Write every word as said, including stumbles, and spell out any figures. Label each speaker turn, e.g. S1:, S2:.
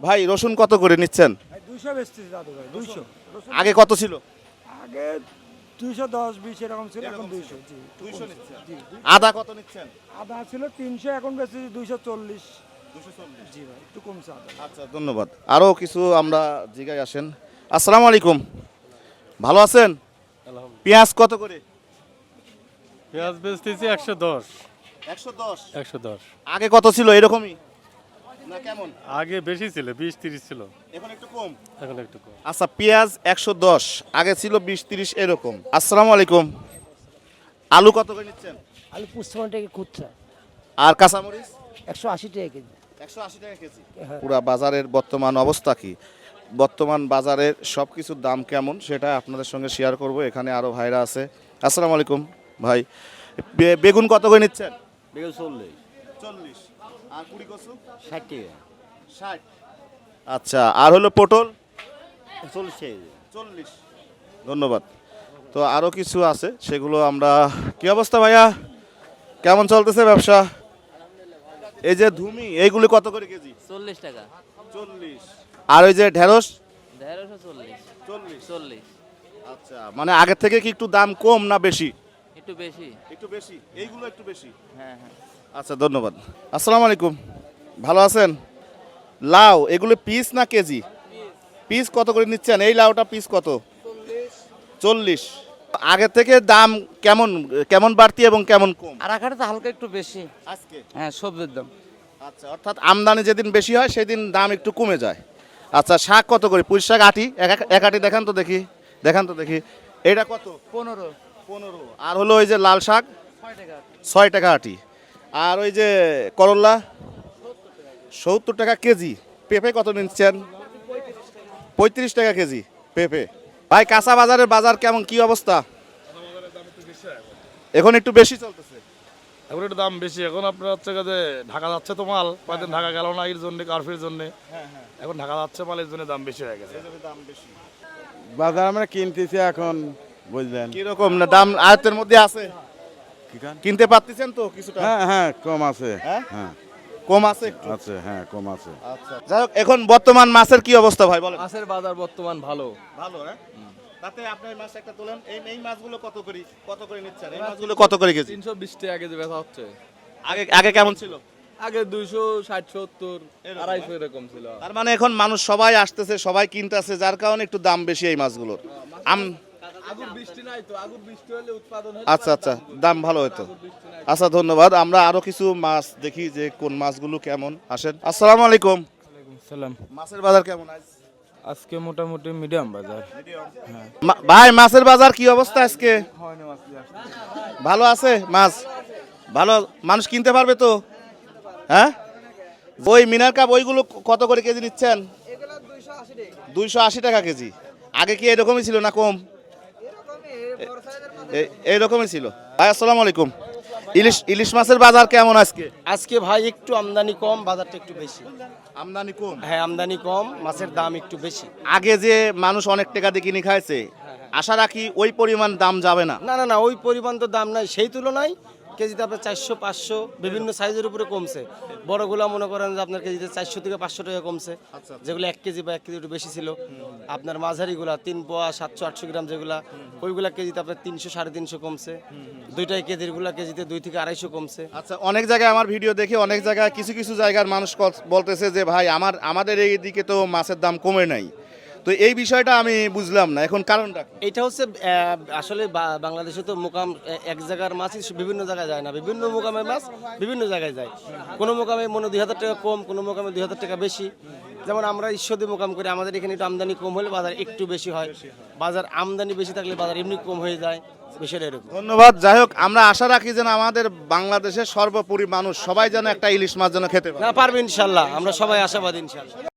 S1: ভাই রসুন কত করে নিচ্ছেন?
S2: দুইশো বেচতেছি দাদু ভাই, দুইশো।
S1: আগে কত ছিল?
S2: আগে দুইশো দশ বিশ এরকম ছিল, এখন দুইশো। জি
S1: দুইশো নিচ্ছেন।
S2: জি।
S1: আদা কত নিচ্ছেন?
S2: আদা ছিল তিনশো, এখন বেচতেছি দুইশো চল্লিশ। জি ভাই, একটু কমছে আদা।
S1: আচ্ছা ধন্যবাদ। আরও কিছু আমরা জিগায় আসেন। আসসালামু আলাইকুম, ভালো আছেন? পেঁয়াজ কত করে?
S3: পেঁয়াজ বেচতেছি একশো দশ।
S1: একশো দশ।
S3: একশো দশ।
S1: আগে কত ছিল এরকমই না কেমন?
S3: আগে বেশি ছিল, বিশ তিরিশ ছিল,
S1: এখন একটু কম।
S3: এখন একটু কম।
S1: আচ্ছা পেঁয়াজ একশো দশ, আগে ছিল বিশ তিরিশ এরকম। আসসালামু আলাইকুম, আলু কত করে নিচ্ছেন?
S4: আলু পঁচপান্ন টাকা খুচরা,
S1: আর কাঁচামরিচ?
S4: একশো আশি টাকা কেজি।
S1: একশো আশি টাকা কেজি।
S4: হ্যাঁ।
S1: পুরা বাজারের বর্তমান অবস্থা কি, বর্তমান বাজারের সব কিছুর দাম কেমন সেটা আপনাদের সঙ্গে শেয়ার করব। এখানে আরও ভাইরা আছে। আসসালামু আলাইকুম ভাই, বে- বেগুন কত করে নিচ্ছেন?
S5: বেগুন চল্লিশ।
S1: চল্লিশ। আর কুড়ি কচু?
S5: ষাট টাকা।
S1: ষাট। আচ্ছা, আর হলো পটল?
S5: চল্লিশ টাকা।
S1: চল্লিশ। ধন্যবাদ। তো আরও কিছু আছে, সেগুলো আমরা। কি অবস্থা ভাইয়া, কেমন চলতেছে ব্যবসা? এই যে ধুমি, এইগুলি কত করে কেজি?
S6: চল্লিশ টাকা।
S1: চল্লিশ। আর ওই যে ঢেঁড়স?
S6: দেড়শো চল্লিশ।
S1: চল্লিশ।
S6: চল্লিশ।
S1: আচ্ছা, মানে আগের থেকে কি একটু দাম কম না বেশি?
S6: একটু বেশি।
S1: একটু বেশি, এইগুলো একটু বেশি।
S6: হ্যাঁ হ্যাঁ।
S1: আচ্ছা ধন্যবাদ। আসসালামু আলাইকুম, ভালো আছেন? লাউ এগুলো পিস না কেজি? পিস কত করে নিচ্ছেন? এই লাউটা পিস কত? চল্লিশ। আগের থেকে দাম কেমন কেমন বাড়তি এবং কেমন কম?
S6: আর আখানে তো হালকা একটু বেশি
S1: আজকে।
S6: হ্যাঁ, সবজির দাম।
S1: আচ্ছা, অর্থাৎ আমদানি যেদিন বেশি হয় সেদিন দাম একটু কমে যায়। আচ্ছা, শাক কত করে? পুঁই শাক আটি, এক- এক আটি দেখান তো দেখি, দেখান তো দেখি। এটা কত?
S6: পনেরো।
S1: পনেরো। আর হলো ওই যে লাল শাক?
S6: ছয় টাকা।
S1: ছয় টাকা আটি। আর ওই যে করল্লা? সত্তর টাকা কেজি। পেঁপে কত নিচ্ছেন? পঁয়ত্রিশ টাকা কেজি পেঁপে। ভাই কাঁচা বাজারের বাজার কেমন, কি অবস্থা? এখন একটু বেশি চলতেছে।
S3: এখন একটু দাম বেশি। এখন আপনার হচ্ছে যে ঢাকা যাচ্ছে তো মাল, কয়েকদিন ঢাকা গেল না এর জন্য, কারফির জন্য। এখন ঢাকা যাচ্ছে মালের জন্য দাম বেশি হয়ে গেছে।
S7: বাজার আমরা কিনতেছি এখন, বুঝলেন।
S1: কিরকম না দাম আয়ত্তের মধ্যে আছে? কিনতে পারতেছেন তো কিছুটা?
S7: হ্যাঁ হ্যাঁ কম আছে।
S1: হ্যাঁ?
S7: হ্যাঁ
S1: কম আছে একটু?
S7: আছে, হ্যাঁ কম আছে।
S1: আচ্ছা, যাই হোক, এখন বর্তমান মাছের কি অবস্থা ভাই বলেন?
S8: মাছের বাজার বর্তমান ভালো।
S1: ভালো হ্যাঁ। তাতে আপনার মাছ একটা তোলেন। এই এই মাছগুলো কত করে কত করে নিচ্ছেন? এই মাছগুলো কত করে কেজি?
S8: তিনশো বিশ টাকা কেজি বেচা হচ্ছে।
S1: আগে আগে কেমন ছিল?
S8: আগে দুইশো ষাট সত্তর আড়াইশো এরকম ছিল।
S1: তার মানে এখন মানুষ সবাই আসতেছে, সবাই কিনতেছে, যার কারণে একটু দাম বেশি এই মাছগুলোর। আম
S8: আগুর বৃষ্টি নাই তো, আগুর বৃষ্টি হলে উৎপাদন হলে
S1: আচ্ছা আচ্ছা, দাম ভালো হতো। আচ্ছা ধন্যবাদ। আমরা আরো কিছু মাছ দেখি যে কোন মাছগুলো কেমন। আসেন। আসসালামু আলাইকুম।
S8: সালাম।
S1: মাছের বাজার কেমন আজ?
S8: আজকে মোটামুটি মিডিয়াম বাজার।
S1: মা- ভাই মাছের বাজার কি অবস্থা আজকে? ভালো আছে মাছ? ভালো, মানুষ কিনতে পারবে তো? হ্যাঁ, ওই মিনার কাপ ওইগুলো কত করে কেজি নিচ্ছেন? দুইশো আশি টাকা কেজি। আগে কি এরকমই ছিল না কম? এ- এইরকমই ছিল। ভাই আসসালামু আলাইকুম, ইলিশ ইলিশ মাছের বাজার কেমন আজকে?
S5: আজকে ভাই একটু আমদানি কম, বাজারটা একটু বেশি।
S1: আমদানি কম?
S5: হ্যাঁ আমদানি কম, মাছের দাম একটু বেশি।
S1: আগে যে মানুষ অনেক টাকা দিয়ে কিনে খাইছে, আশা রাখি ওই পরিমাণ দাম যাবে না।
S5: না না না, ওই পরিমাণ তো দাম নাই, সেই তুলনায় কেজিতে আপনার চারশো পাঁচশো বিভিন্ন সাইজের উপরে কমছে। বড়গুলা মনে করেন যে আপনার কেজিতে চারশো থেকে পাঁচশো টাকা কমছে, যেগুলো এক কেজি বা এক কেজি একটু বেশি ছিল। আপনার মাঝারিগুলা তিন পোয়া সাতশো আটশো গ্রাম যেগুলা, ওইগুলা কেজিতে আপনার তিনশো সাড়ে তিনশো কমছে। দুইটাই কেজির গুলা কেজিতে দুই থেকে আড়াইশো কমছে।
S1: আচ্ছা, অনেক জায়গায় আমার ভিডিও দেখে অনেক জায়গায় কিছু কিছু জায়গার মানুষ কল- বলতেছে যে ভাই আমার আমাদের এই দিকে তো মাছের দাম কমে নাই। তো এই বিষয়টা আমি বুঝলাম না, এখন কারণটা কি?
S5: এটা হচ্ছে আহ, আসলে বা- বাংলাদেশে তো মোকাম এ- এক জায়গার মাছই বিভিন্ন জায়গায় যায় না, বিভিন্ন মোকামের মাছ বিভিন্ন জায়গায় যায়। কোনো মোকামে মনে দুই হাজার টাকা কম, কোনো মোকামে দুই হাজার টাকা বেশি। যেমন আমরা ঈশ্বরদী মোকাম করি, আমাদের এখানে একটু আমদানি কম হলে বাজার একটু বেশি হয়, বাজার আমদানি বেশি থাকলে বাজার এমনি কম হয়ে যায়, বিষয়টা এরকম।
S1: ধন্যবাদ। যাই হোক, আমরা আশা রাখি যেন আমাদের বাংলাদেশের সর্বোপরি মানুষ সবাই যেন একটা ইলিশ মাছ যেন খেতে পারে।
S5: না পারবে ইনশাল্লাহ, আমরা সবাই আশাবাদী ইনশাল্লাহ।